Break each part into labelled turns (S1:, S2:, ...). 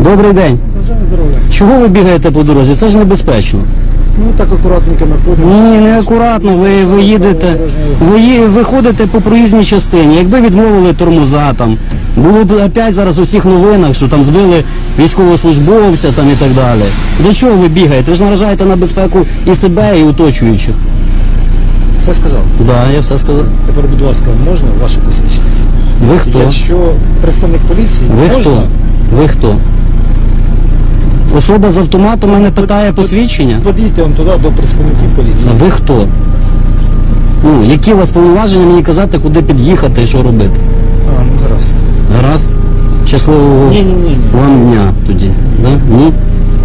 S1: Добрий день.
S2: Бажаю здоров'я.
S1: Чого ви бігаєте по дорозі? Це ж небезпечно.
S2: Ну так акуратненько находимося.
S1: Ні, не акуратно. Ви їдете, ви ходите по проїзній частині. Якби відмовили тормоза там, було б опять зараз у всіх новинах, що там збили військовослужбовця там і так далі. Для чого ви бігаєте? Ви ж наражаєте на безпеку і себе, і оточуючих.
S2: Все сказав.
S1: Так, да, я все сказав.
S2: Тепер, будь ласка, можна ваше посвідчення?
S1: Ви хто?
S2: Якщо представник поліції,
S1: Ви
S2: можна?
S1: хто? Ви хто? Особа з автоматом мене питає посвідчення?
S2: Подійте он туди до представників поліції.
S1: Ви хто? Ну, які у вас повноваження мені казати, куди під'їхати і що робити?
S2: А, ну гаразд.
S1: Гаразд? Щасливого
S2: Ні.
S1: вам дня тоді. Да? Ні?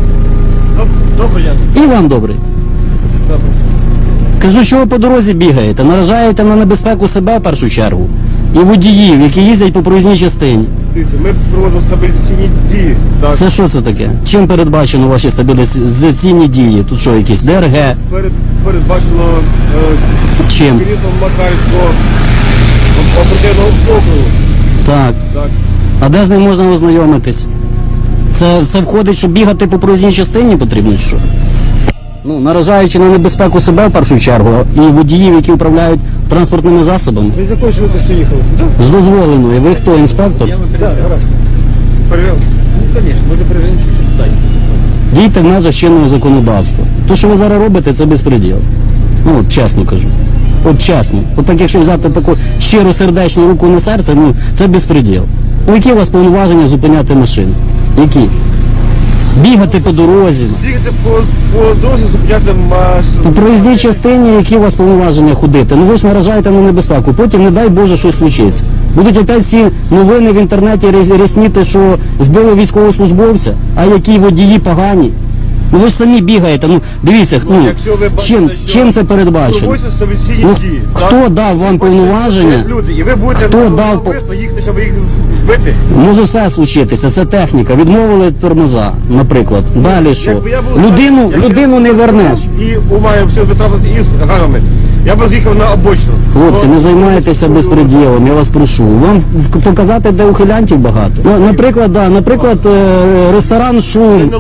S2: Добре, я.
S1: І вам добрий.
S2: Добре.
S1: Кажу, що ви по дорозі бігаєте, наражаєте на небезпеку себе в першу чергу. І водіїв, які їздять по проїзній частині.
S3: Дивіться, ми проводимо стабілізаційні дії. Так.
S1: Це що це таке? Чим передбачено ваші стабілізаційні дії? Тут що, якісь ДРГ?
S3: Передбачено
S1: Чим?
S3: керівництвом Макарівського оперативного округу.
S1: Так.
S3: Так.
S1: А де з ним можна ознайомитись? Це все входить, щоб бігати по проїзній частині потрібно чи що? Ну, наражаючи на небезпеку себе в першу чергу, і водіїв, які управляють транспортними засобами.
S2: Ви з якою швидкістю їхали?
S1: З дозволеною. Ви хто, інспектор?
S2: Так, гаразд.
S3: Перевіряв.
S2: Ну, звісно, може перевіримо, що туди.
S1: Дійте в межах чинного законодавства. То, що ви зараз робите, це безпреділ. Ну, от чесно кажу. От чесно. От так, якщо взяти таку щиру сердечну руку на серце, ну, це безпреділ. У які у вас повноваження зупиняти машину? Які? Бігати по дорозі.
S3: Бігати по дорозі, зупиняти масу.
S1: По проїзній частині, які у вас повноваження ходити? Ну ви ж наражаєте на небезпеку. Потім, не дай Боже, щось случиться. Будуть опять всі новини в інтернеті рясніти, що збили військовослужбовця, а які водії погані. Ну ви ж самі бігаєте. Ну дивіться, ну,
S3: Якщо ви бачите,
S1: чим це передбачено?
S3: Проводяться стабілізаційні
S1: Ну,
S3: дії.
S1: хто дав вам повноваження?
S3: Люди, і ви будете
S1: Хто дав
S3: навмисно їхати, щоб їх збити.
S1: Може все случитися, це техніка. Відмовили тормоза, наприклад. Далі що?
S3: Якби я був
S1: Людину не вернеш.
S3: І умаю все трапилося із гамами. Я б з'їхав на обочину.
S1: Хлопці, не займайтеся безпреділом, я вас прошу. Вам показати, де ухилянтів багато. Ну, наприклад, ресторан «Шум»,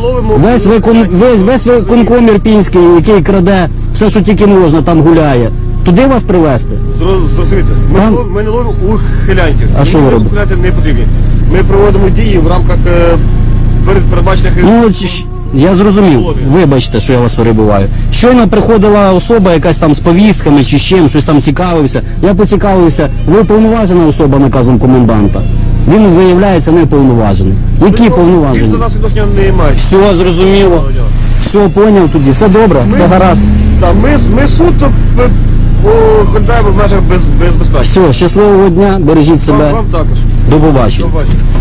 S1: весь виконком ірпінський, який краде все, що тільки можна, там гуляє. Туди вас привезти?
S3: Зрозумієте, ми не ловимо ухилянтів.
S1: А що ви робите?
S3: Ухилянти не потрібні. Ми проводимо дії в рамках передбачених...
S1: Ну, я зрозумів. Вибачте, що я вас перебиваю. Щойно приходила особа якась там з повістками чи з чим, щось там цікавився. Я поцікавився. Ви повноважена особа наказом коменданта. Він, виявляється, не повноважений. Які повноваження?
S3: Він до нас відношення не має.
S1: Все, зрозуміло. Все, поняв тоді. Все добре, все гаразд.
S3: Так, ми суто ходимо в межах безпеки.
S1: Все, щасливого дня, бережіть себе.
S3: Вам також.
S1: До побачення.
S3: До побачення.